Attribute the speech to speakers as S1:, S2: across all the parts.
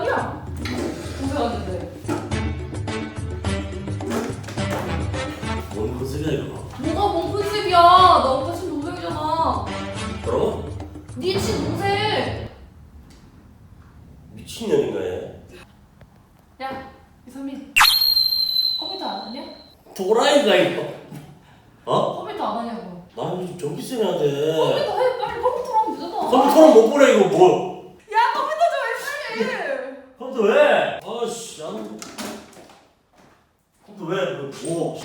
S1: 아니야. 고생하는데.
S2: 뭔 컨셉이야 이거?
S1: 뭐가 뭔 컨셉이야? 나 오빠 친동생이잖아.
S2: 뭐라고?
S1: 네 친동생.
S2: 미친년인가 얘?
S1: 야, 이선민. 컴퓨터 안 하냐?
S2: 도라이가 이거. 어?
S1: 컴퓨터 안 하냐고.
S2: 나 요즘 전기세 내야 돼.
S1: 컴퓨터 해. 빨리 컴퓨터로 하면 되잖아.
S2: 컴퓨터는 못 보내 이거 뭐?
S1: 야, 컴퓨터 좀 해, 빨리.
S2: 컴퓨터 왜? 아씨 나는 컴퓨터 왜? 뭐?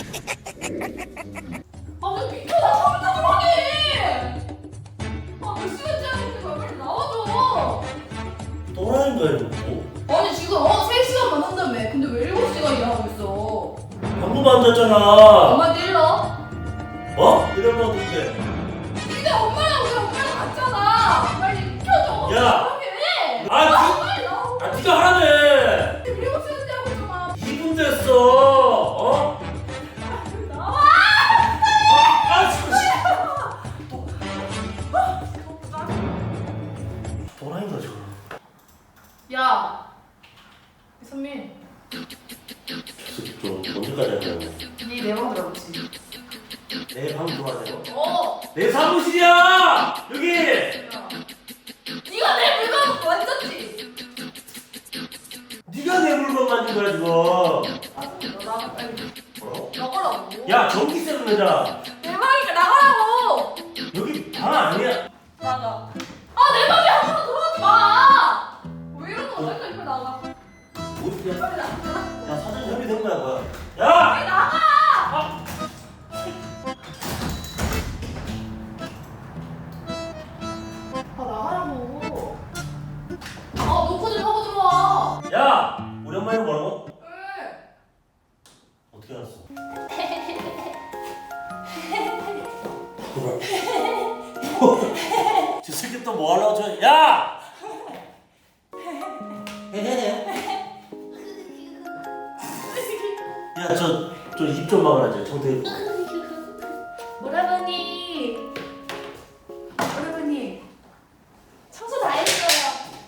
S1: 아, 왜 비켜나 컴퓨터 좀 하게. 아, 몇 시간째 하고 있는 거야. 빨리 나와줘.
S2: 도라이가 이거 뭐?
S1: 아니, 지금 3시간만 한다며. 근데 왜 7시간 일하고 있어?
S2: 방금 앉았잖아.
S1: 엄마한테 일러.
S2: 어? 이러면 어떡해?
S1: 근데 엄마랑 우리 엄마랑 같잖아. 빨리 켜줘.
S2: 야!
S1: 해.
S2: 아,
S1: 빨리 나와.
S2: 아 네가 하라며.
S1: 7시간째 하고 있잖아.
S2: 2분 됐어. 어?
S1: 나와.
S2: 아 진짜. 도라이가 저거.
S1: 야, 이선민.
S2: 좀 언제까지 할 거야?
S1: 네내방 들어보지.
S2: 내 방 들어와야 돼.
S1: 내
S2: 내 사무실이야! 여기!
S1: 네가 내 물건 만졌지?
S2: 네가 내 물건 만진 거야 지금.
S1: 너 나가 빨리.
S2: 어?
S1: 나가라고.
S2: 야 전기세로 내자.
S1: 내 방이니까 나가라고.
S2: 여기 방 아니야.
S1: 나가. 아, 내 방에 아무도 들어오지 마. 왜 이러는 거야? 빨리 나가.
S2: 어디야?
S1: 빨리 나가.
S2: 야 사전 협의된 거야 뭐야? 야!
S1: 빨리 나가.
S2: 아!
S1: 아, 나가라고. 아, 노크 좀 하고 들어와.
S2: 야! 우리 엄마 이거 뭐라고?
S1: 왜?
S2: 어떻게 알았어? 저 새끼 또 뭐 하려고 저 야! 야 저 입 좀 막으라 저 정태.
S1: 오라버니. 오라버니. 청소 다 했어요.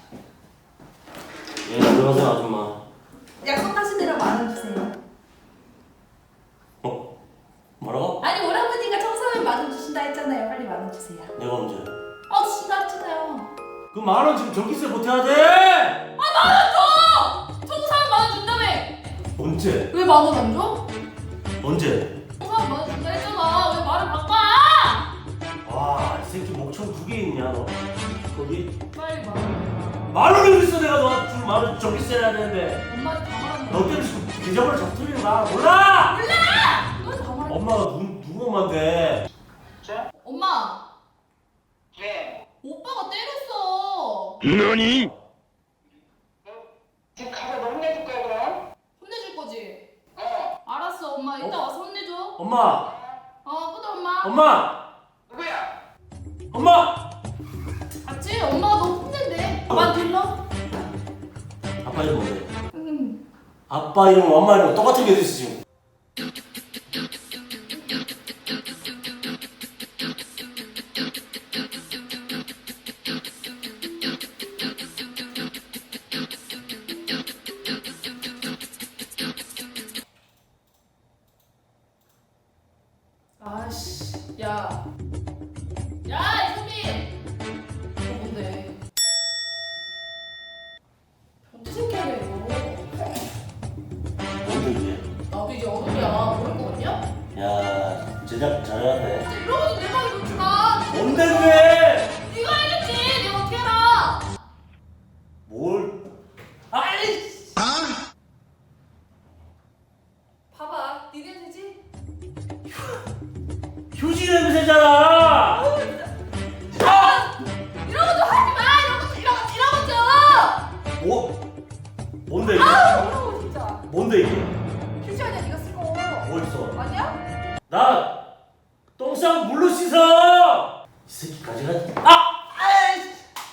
S2: 예 안녕하세요 아줌마.
S1: 약속하신 대로 10,000원 주세요.
S2: 어? 뭐라고?
S1: 아니, 오라버니가 청소하면 10,000원 주신다 했잖아요. 빨리 10,000원 주세요.
S2: 내가 언제?
S1: 주신다 했잖아요.
S2: 그 10,000원 지금 전기세 못해야 돼!
S1: 10,000원 줘! 청소하면 10,000원 준다며.
S2: 언제?
S1: 왜 10,000원 안 줘?
S2: 언제?
S1: 청소하면 10,000원 준다 했잖아. 왜 말을 바꿔?
S2: 와, 이 새끼 목청 2개 있냐 너? 거기?
S1: 빨리 10,000원.
S2: 10,000원을 있어 내가 너한테 줄 10,000원 전기세 내야 되는데
S1: 엄마한테 다 말하는
S2: 너
S1: 거야.
S2: 때문에 지금 계좌번호 잡투리는 나 몰라!
S1: 너한테 다 말하는 거야.
S2: 엄마가 누구 엄마인데?
S1: 엄마.
S3: 왜?
S1: 오빠가 때렸어.
S4: 너니?
S3: 지금 가서 너 혼내줄 거야 그럼?
S1: 혼내줄 거지?
S3: 어.
S1: 알았어, 엄마. 이따 와서 혼내줘.
S2: 엄마!
S1: 끊어, 엄마.
S2: 엄마!
S3: 누구야?
S2: 엄마!
S1: 맞지? 엄마가 너 혼낸대. 아빠한테 일러?
S2: 아빠 이름 뭔데?
S1: 응.
S2: 아빠 이름 엄마 이름 똑같은 게 어딨어 지금?
S1: 아씨, 야. 야, 이선민! 너 뭔데? 변태 새끼 아니야, 이거.
S2: 뭔데 이게?
S1: 나도 이제 어른이야. 모를 거 같냐?
S2: 야 제작 잘해왔네.
S1: 이러고도 내 방에 놓지 마.
S2: 뭔데 그게?
S1: 네가 해줬지. 내가 어떻게 알아?
S2: 뭘? 아이!
S1: 봐봐. 니네 되지?
S2: 휴지 냄새잖아!
S1: 이런 거 좀 하지 마. 이런 거 좀.
S2: 뭐? 뭔데 이게?
S1: 이런 거 진짜.
S2: 뭔데 이게?
S1: 휴지 아니야, 네가 쓴 거.
S2: 뭐 있어?
S1: 아니야?
S2: 나 똥싸고 물로 씻어! 이 새끼 가져가지. 아! 아이!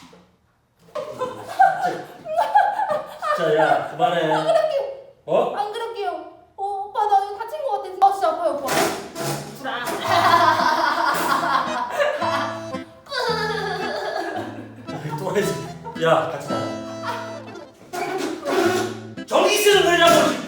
S2: 진짜 야 그만해.
S1: 그럴게요.
S2: 어?
S1: 안 그럴게요. 오빠 나 이거 다친 거 같아. 진짜 아파요, 오빠. 불안.
S2: 또라이 새끼. 야 같이 나가. 쓰는 거냐고.